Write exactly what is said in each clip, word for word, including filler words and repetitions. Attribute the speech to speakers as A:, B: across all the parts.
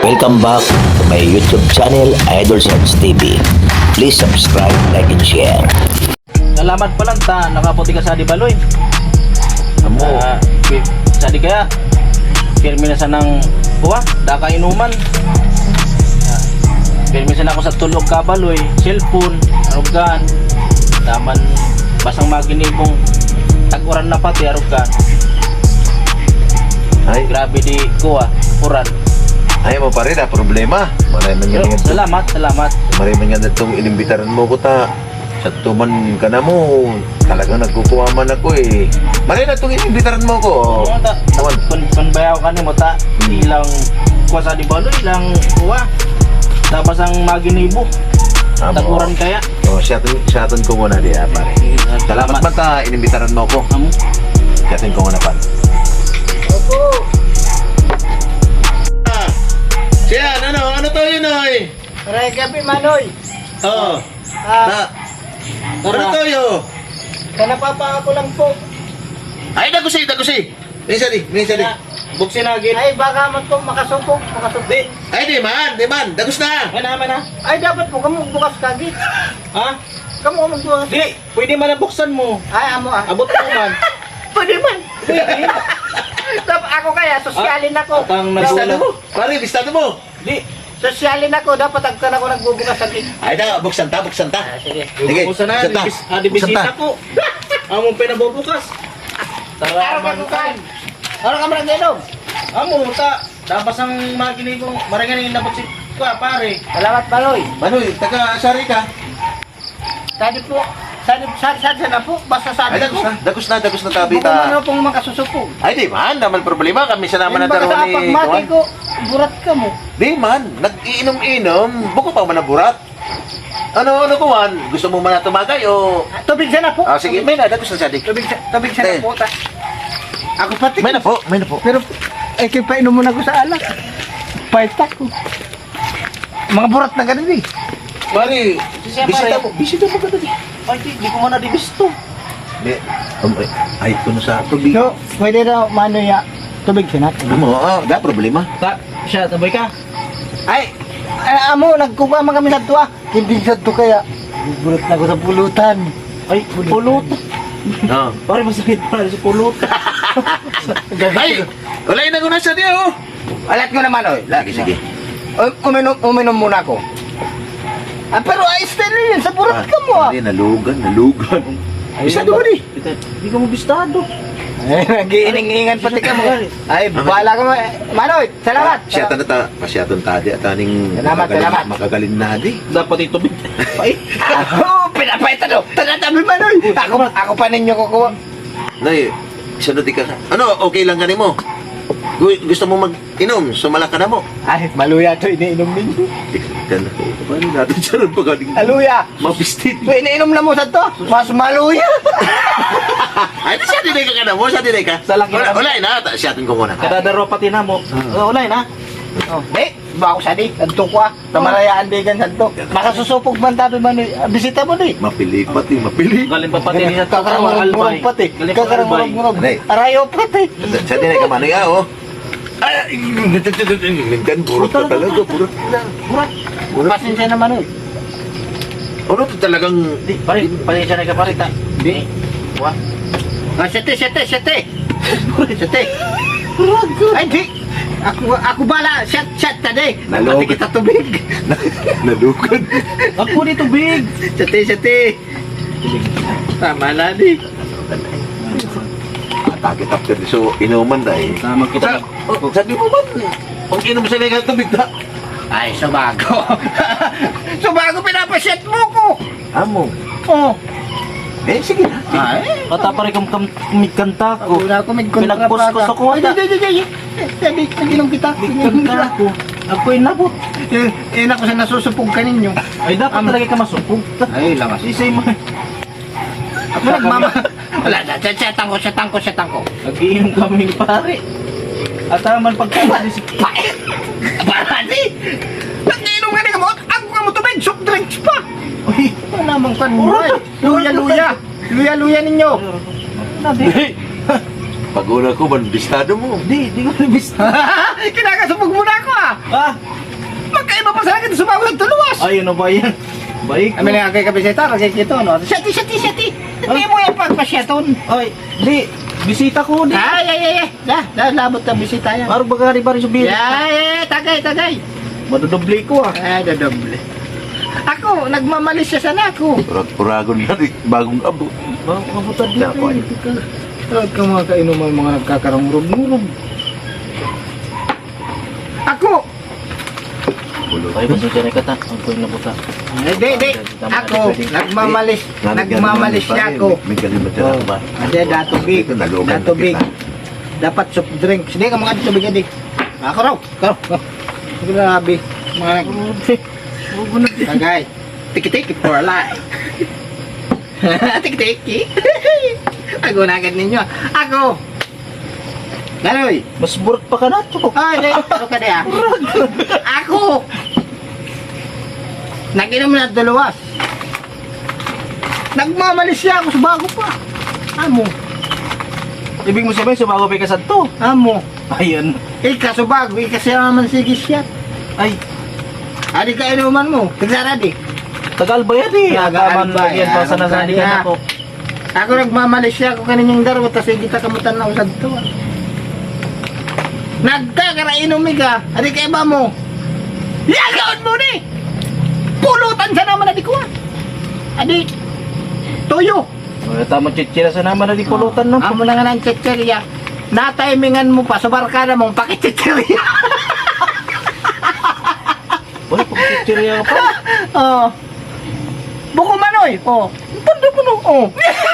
A: Welcome back to my YouTube channel, Idol Sounds T V. Please subscribe, like, and share.
B: Salamat pa lang ta, nakaputi ka sa di baloy.
A: Amo,
B: Uh, sa di kaya, pirmi na sa nang buwa, daka inuman. Uh, pirmi sa na ako sa tulog ka baloy, cellphone, arugan, daman basang maginibong tag-uran na pati arugan.
C: Ay,
B: Grabe di ko ah, uran.
C: ay mo pa rin ah, problema. Maray man
B: Pero,
C: nga nga
B: salamat, salamat.
C: Maray man nga itong inimbitaran mo ko ta. Sa tuman ka na mo, talagang nagkukuha man ako eh. Maray na itong inimbitaran mo ko.
B: Ano ta?
C: Awan.
B: Pan panbayaw ka ni mo ta, ilang kuha sa di baloy, ilang kuha. Tapos ang maginibo,
C: Amo.
B: tag-uran kaya.
C: Oh, siyaton, siyaton ko muna di ah, pare. Salamat man ta, inimbitaran mo ko.
B: Amo.
C: Siyaton ko muna pa.
B: Opo.
C: Siya, ano, ano to yun oy?
D: Aray gabi manoy.
C: Oo.
D: Ah,
C: Ano to yun?
D: kanapapa ako lang po.
C: Ay, dagusi, dagusi. Minsan di, minsan di.
B: Buksin na gid.
D: Ay baka man po makasupok, makasupok.
C: Ay, di man, di man. Dagus na.
B: Ay naman na.
D: Ay dapat po kamo bukas kagi.
B: Ha?
D: Kamo magbukas.
B: Di, pwede man na buksan mo.
D: Ay amo ah.
B: Abot mo man.
D: Pwede man.
B: Pwede.
D: Dapat ako kaya sosyalin ako.
B: Atang
C: Bistado
B: nagwala.
C: mo. Pare, bistado mo.
B: Di.
D: Sosyalin ako dapat agka ako nagbubukas kagi.
C: Ay, da, buksan ta, buksan ta.
D: Ah, sige.
C: Sige,
B: Buksan na.
C: buksan ta.
B: Dibis, ah, dibisita
C: Buksan ta.
B: ko. Among pinabubukas. Tara
D: Araw
B: man
D: ka kan. Araw ka man ginom.
B: Amo ta. Tapos ang maginibong marangan yung nabot si ka pare.
D: Salamat manoy.
C: Manoy, taga sari ka.
D: Sadi po. Sadi sadi sadi na po basta
C: Ay,
D: sadi
C: dagus
D: ko.
C: na, dagus na, dagus na tabi
D: Kung ano
C: ta.
D: pong makasusupok.
C: Ay, di man, naman problema. Kami sa naman na
D: Baka
C: daro
D: sa
C: ni...
D: pagmati
C: Kuwan.
D: ko, burat ka mo.
C: Di man, nag-iinom-inom. Buko pa man na burat. Ano, ano kuwan? Gusto mo man na tumagay o...
D: Ah, Tubig sana po.
C: Ah, sige, may na, dagus na sadik.
D: Tubig sa tubig sana
C: Eh.
D: po ta. Ako pati.
C: May na po, may na po.
D: Pero, eh, kaya painom muna ko sa alak. Pahit ako. Mga burat na ganun eh.
C: Pare,
B: Siya,
C: bisita
B: pare.
C: mo, bisita mo ka tadi.
B: Ay, di, di ko man na dibisto.
C: Di, um, ay, ay, kuno sa tubig.
D: So, pwede na mano ya. Tubig sana.
C: Amo, ah, da problema.
B: Ta, siya, tabay ka.
D: Ay, ay amo, nagkuha man kami sa tuwa. Hindi sa tuwa kaya. Burat na ako sa pulutan.
B: Ay, pulot.
C: Ah.
B: Pare, masakit pa sa pulot.
C: Ay, wala na ko na sa diya, oh.
D: Alat ko naman, oy.
C: Lagi, sige.
D: Um- Uminom, uminom muna ako. Ah, pero ayos din yun. Sa burat ka mo ah.
C: Hindi, nalugan, nalugan. Bisado mo di.
B: Di ka mo bistado.
D: Eh, nag-iining-ingan pati ka mo. Ay, bahala ka mo. Manoy, salamat.
C: Siya ta na ta, pasyaton ta di, at aning
D: Salamat,
C: makagaling-
D: salamat.
C: Makagaling na di.
B: Dapat ito big. Ay,
D: Oo, pinapaitan o. Tanatabi Manoy. Ako, ako pa ninyo kukuha.
C: Nay, sunod di ka. Ano, okay lang ka mo? Gu- Gusto mo mag-inom, sumala ka na mo.
D: Ay, maluya to iniinom ninyo.
C: Di ka na. Paano natin siya rin pagaling?
D: Aluya.
C: Mabistit.
D: So, iniinom na mo sa to. Mas maluya.
C: Ay, siya dinay ka ka na mo, siya dinay ka.
B: Sa laki
C: Wala,
B: na-
C: wala na, ta- siyatin ko muna.
B: kadadaro pati na mo. Uh, ulay na.
D: Oh, di, ba ako sadi? Adto ko ah. Tamarayaan di kan santo. Makasusupog man tabi Manoy. Ah, bisita mo di.
C: Mapili pati, mapili.
B: Galing pa pati niya sa
D: Kakarang murag-murag pati.
B: Galing pa
D: Kakarang
B: albay.
D: murag-murag.
C: Nay.
D: Arayo pati.
C: Siya dinay ka manoy, ah, oh. Ay, mintan, burot ka talaga, burot na.
B: Burat.
C: Burot.
D: Pasensya na Manoy.
C: Ano to talagang...
B: Di, pare, pare siya na ka pare ta. Di. Wa.
D: Ah, sete, sete, sete. Sete. Ay, di. Ako, ako bala. Shot, shot tadi.
C: Nalog.
D: Pati kita tubig.
C: Nalugan.
B: Ako dito big.
D: Sete, sete. Tama na di.
C: Takit after this, so inuman dahil.
B: Sama kita.
C: Oh, sabi mo man, pag inom sa ligat tubig na.
D: Ay, subago. Subago pinapasyat mo ko.
C: Amo.
D: Oh.
C: Eh, sige na.
D: Ay.
B: Kata pare kam kam kumikanta ko.
D: Wala ako may kontra
B: Pinagpuskus ako,
D: Ay,
B: ata.
D: di, di, di, di. Sabi, naginom kita.
B: Kumikanta ko. Ako inabot.
D: Eh, eh, naku sa nasusupog ka ninyo.
B: Ay dapat
D: Am-
B: talaga ka masupog.
D: Ay, lakas.
B: Isay mo.
D: Ako nagmama. Wala, setang ko, setang ko, setang ko.
B: Nagiinom kami pare. At naman pagkakali si
D: Bakit? Para di. Nag-inom ka na gamot. Ako nga mo tubig, soft drinks pa.
B: Uy,
D: Wala mong kanbuhay. Luya, luya. Luya, luya ninyo.
B: Nabi.
C: Pag una ko, man, bistado mo.
B: Di, di ko nabis.
D: Kinakasupog mo na ako ah.
B: Ah,
D: kay ba pa sa akin sumawag ng tuluwas.
B: Ayun na ba yan? Baik.
D: Amin nga kay kabisita, kay kito no. Sati sati sati. Hindi mo yan pagpasyaton.
B: Ay, di. Bisita ko, di.
D: Ay ay ay. ay. Dah, dah labot ang bisita yan.
B: Baru bagari-bari sa bilis.
D: Ay, ay, tagay, tagay.
B: Madudubli ko ah.
D: Ay, dadoble. Ako, nagmamalis siya sana ako.
C: Urag-uragon na di, bagong abo.
B: Mabutad
C: Na,
B: dito.
C: boy.
D: Tawag ka mga kainuman, mga nagkakarangurog-murog. Ako,
B: Ay, pasensya na kata. Ang ko na buta.
D: hindi, hindi. Ako, nagmamalis, nagmamalis siya ako.
C: May galimot siya
B: Oh.
C: ba?
D: Hindi, datubig.
C: Ito, nalugan
D: Datubig.
C: kita.
D: Dapat soft drinks. Hindi ka mga tubig, hindi. Ako raw, ako raw. Grabe. Mga nag... Tagay. Tiki-tiki for life. Tiki-tiki. Ako na agad ninyo. Ako. Ganoy.
B: Mas burot pa ka na to.
D: Ay, hindi. Ano ka niya? Ako. Nag-inom na dalawas. Nagmamalis siya ako sa bago pa. Amo.
B: Ibig mo sabihin, sumago pa ka sa to.
D: Amo.
B: Ayan.
D: Ika sa bago. Ika siya naman sige siya.
B: Ay,
D: Adi ka inuman mo. Tigsara di.
B: tagal ba yan eh?
D: Tagal
B: Agaman
D: ba
B: yan
D: yan?
B: pa sa nasalihan
D: Kanya.
B: ako.
D: Ako nagmamalis siya ako kaninyang daro. Tapos kita kamutan na usad to. Nagkakarainom ka. Adi ka iba mo. Yagaon mo ni. Pulutan sa naman adi ko. Adi. Tuyo.
B: Wala tama chichira sa naman na di pulutan na.
D: Amo na nga ng chichirya. Na-timingan mo pa sa barkada mong pakichichirya.
B: Wala pag chichira ka pa.
D: Oh. Buko manoy. Oh. Pando mo no. Oh.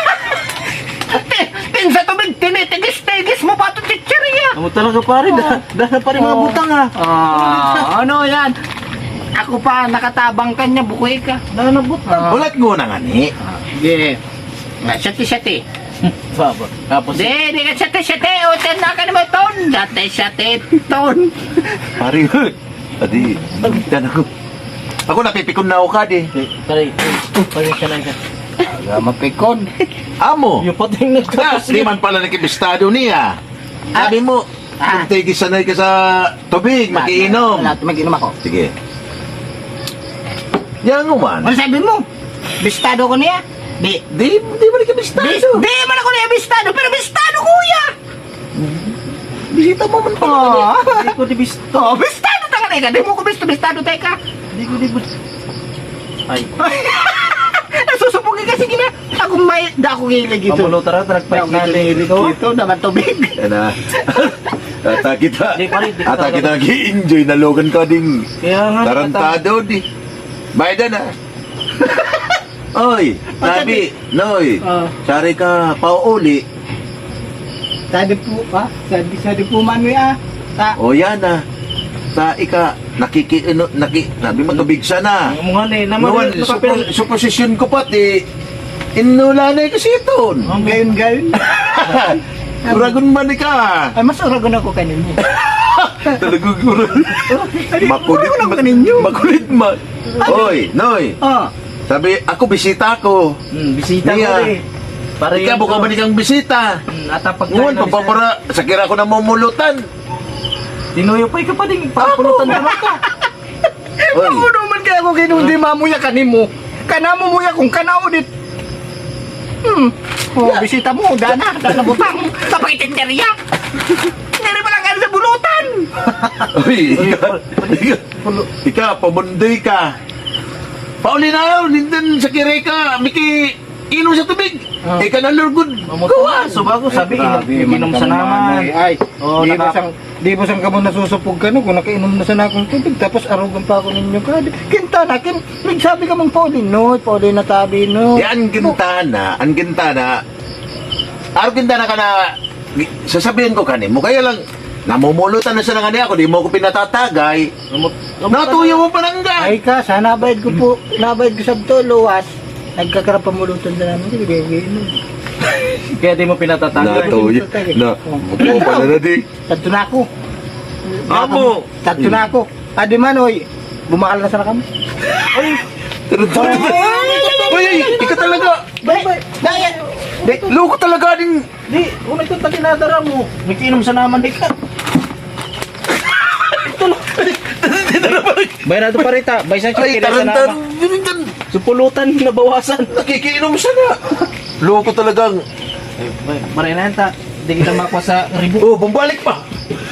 D: Tin sa tubig, tinitigis-tigis mo pa ito chichirya.
B: Amo talaga pare, dah dah pa rin mga
D: Oh.
B: butang ah.
D: Ah, ano yan? Ako pa, nakatabang kanya, bukoy ka.
B: Dah na butang.
C: Ulat mo na nga ni.
D: Sige. Nga, sati-sati.
B: Baba. Tapos
D: Di, di ka sati-sati. O, ten na ka naman ton. Sati-sati ton.
C: Pari, adi, dan ako. Ako napipikon na ako ka di.
B: pare, pasensya na ka.
D: Aga, mapikon.
C: Amo.
B: Yung pating
C: Ah,
B: nagtakas.
C: di man pala nakibistado niya. Sabi mo,
D: Ah.
C: kung tigis sanay ka sa tubig, magiinom.
D: Wala, mag-inom ako.
C: Sige. Yan mo man.
D: Ano sabi mo? Bistado ko niya? Di.
C: Di, di ba nakibistado?
D: Bis, di man ako niya bistado, pero bistado kuya.
C: Bisita mo man pala.
D: Oh,
B: Di ko di bisto.
D: oh bistado ta ka na Di mo ko bisto, bistado teka.
B: Di ko di bisto. Ay.
D: Nasusupugin kasi gina. Ako may, da ako gilig ito.
B: Pamulo tara, nagpahit na
D: Gilig
B: dito.
D: ito, naman tubig.
C: Yan na. Ata kita.
B: Di, pare, di ko
C: Ata
B: talaga-
C: kita nag-i-enjoy. Nalogan ka ding
B: Kaya nga.
C: tarantado di. Bayad na. Oy, sabi, Noy,
D: Ah.
C: sari ka pauuli.
D: Sadi po, ha? Sadi, sadi po man ah. Ta,
C: O yan na. Sa ika, nakiki, ano, naki, nabi mo tubig siya na.
B: Ang mga ni, naman
C: Naman,
B: yung
C: supo,
B: nakapil.
C: suposisyon ko pati, inula na kasi ito.
B: Ang
D: gayon gayon.
C: Uragon man ka.
D: Ay, mas uragon ako kanino.
C: Talagang uragon. Makulit
D: uragon ako
C: man.
D: kaninyo.
C: Makulit man. Oy, Noy,
D: Oh,
C: sabi, ako bisita ko.
B: Hmm, bisita
C: Niya.
B: ko eh. Para
C: Ikaw, buka ba kang bisita?
B: Hmm, At pag
C: Ngun, pagpapara, sa kira ko na mamulutan.
B: Tinuyo pa ka pa din. Papulutan naman ka.
C: Oy,
D: ano man kaya ako kinundi mamuya kanimo. Kanamo muya kung kanao dit. Hmm. Oh, bisita mo, dana, dana butang. Sa pakitinteriya. Hindi pa lang sa bulutan.
C: oy, ikaw, ikaw, ikaw, pamundoy ka. Pauli na, nindin sa kira ka, miki, inom sa tubig.
B: Ah.
C: Ika na lurgod.
B: Mamutuan. So bago sabi, inom, inom sa naman.
D: Ay,
B: Oh,
D: di
B: naka-
D: ba sang di ba sang kamo nasusupog ka no kung nakainom na sa akong tubig tapos arugan pa ako ninyo ka. Kinta na kin, nagsabi ka mong Pauline, no, Pauline na tabi no.
C: Di ang gintana, ang gintana, araw gintana ka na, sasabihin ko kanimo, kaya lang, namumulutan na siya ng ano ako, di mo ko pinatatagay, natuyo mo pa nang ga.
D: Ay ka, sana bayad ko po, nabayad ko sa to luwas. Nagkakarap pamulutan na namin, hindi ko inom.
B: Kaya di mo pinatatanggal.
C: Natuyo, na, mukha pala na di.
D: Tanto na ako.
C: Amo!
D: Tanto na ako. Adi man, oy, bumakal na sana kami.
B: Ay,
C: Tarantado. Uy, ay, ikaw talaga,
D: Bye, bye. Daya.
C: di, loko talaga ding,
B: di, kung ito taginadara mo, nakiinom sa naman di ka. Bay na ito parita. Bay sa
C: Ay,
B: chikira sa
C: tarantan.
B: nama.
C: Yun,
B: Supulutan na bawasan.
C: nakikiinom siya na. Loko talagang.
B: Ay, bay, maray na yan ta. Hindi kita makuha sa ribu.
C: Oh, bumalik pa.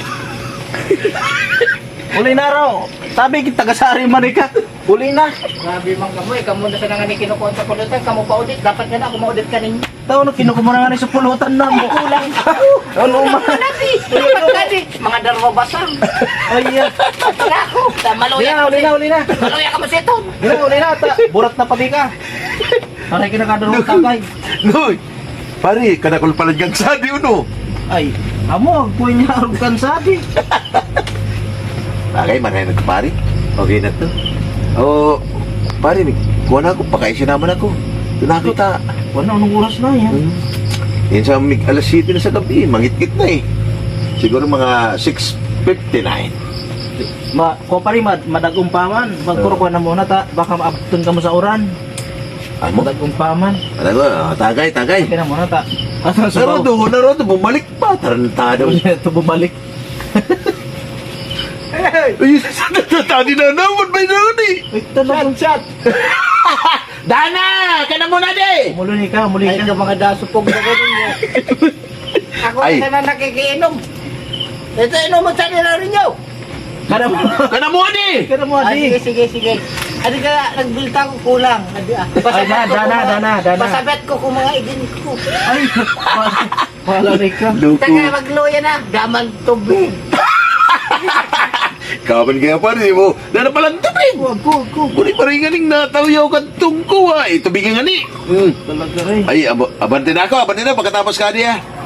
B: Uli na raw. Sabi kita tagasari man ka. Uli na.
D: Grabe mang kamoy, kamo na sa nga ni kinukuha sa pulutan, kamo pa audit, dapat nga na ako ma-audit ka ninyo.
B: Taon na kinukuha na nga sa supulutan na mo.
D: Kulang.
B: Ano man.
D: Mga darwa basang.
B: Ay, yan.
D: Ako,
B: Uli
D: maluya
B: na, uli na, uli na.
D: Maluya ka masiton.
B: Uli na, uli na. Ta. Burat na pati ka. Aray kinakadaro ng tagay.
C: Noy. Pare, kanakol pala niyang sadi uno.
B: Ay, amo, agpuin niya arugan sabi.
C: Bagay, manay na pare. Okay na to. Oh, pare, kuha na ako, pakaisi naman ako. Doon ako ta.
B: Wala, anong oras na yan?
C: Hmm. Yan sa mig alas siyete na sa gabi, mangit-git na eh. Siguro mga six fifty-nine.
B: Ma, ko pa rin, mad, madagong paman. Magkurukuha na muna ta. Baka maabtun ka mo sa uran.
C: Ay mo?
B: Madagong paman.
C: Ano ba? Tagay, tagay.
B: Kaya na muna ta. Asa sa
C: Narodo, narodo, bumalik pa. Tarantado.
B: Ito bumalik.
C: Ay, tadi na naman ba yun eh?
B: Ay, talagang chat.
C: Dana! Ka na muna di!
B: Muli ka, muli
D: Ay,
B: ka.
D: ka mga dasupog na ganun niya. Ako
C: Ay.
D: na na nakikiinom. Ito, inom mo sa nila rin nyo.
B: Kada mo.
C: Ka na muna di!
B: Kada mo,
D: Ay,
B: adi.
D: sige, sige, sige. Adi ka, nagbilta ko kulang. Adi, ah.
B: Ay,
D: Pasabet
B: da-
D: ko
B: dana,
D: kung mga-
B: dana, dana.
D: Pasabet ko kung mga idin ko.
B: Ay, wala rin ka.
C: Luko.
D: Taka, magluya na. Daman tubig.
C: Kaman kaya pa rin mo. Dana palang tubig.
B: Wag ko, wag ko.
C: Muli pa rin nga ning natawiyaw ka tungko ah. Eh, tubig nga ni. Hmm.
B: Talaga rin.
C: Ay, ab abante na ako, abante na pagkatapos ka niya.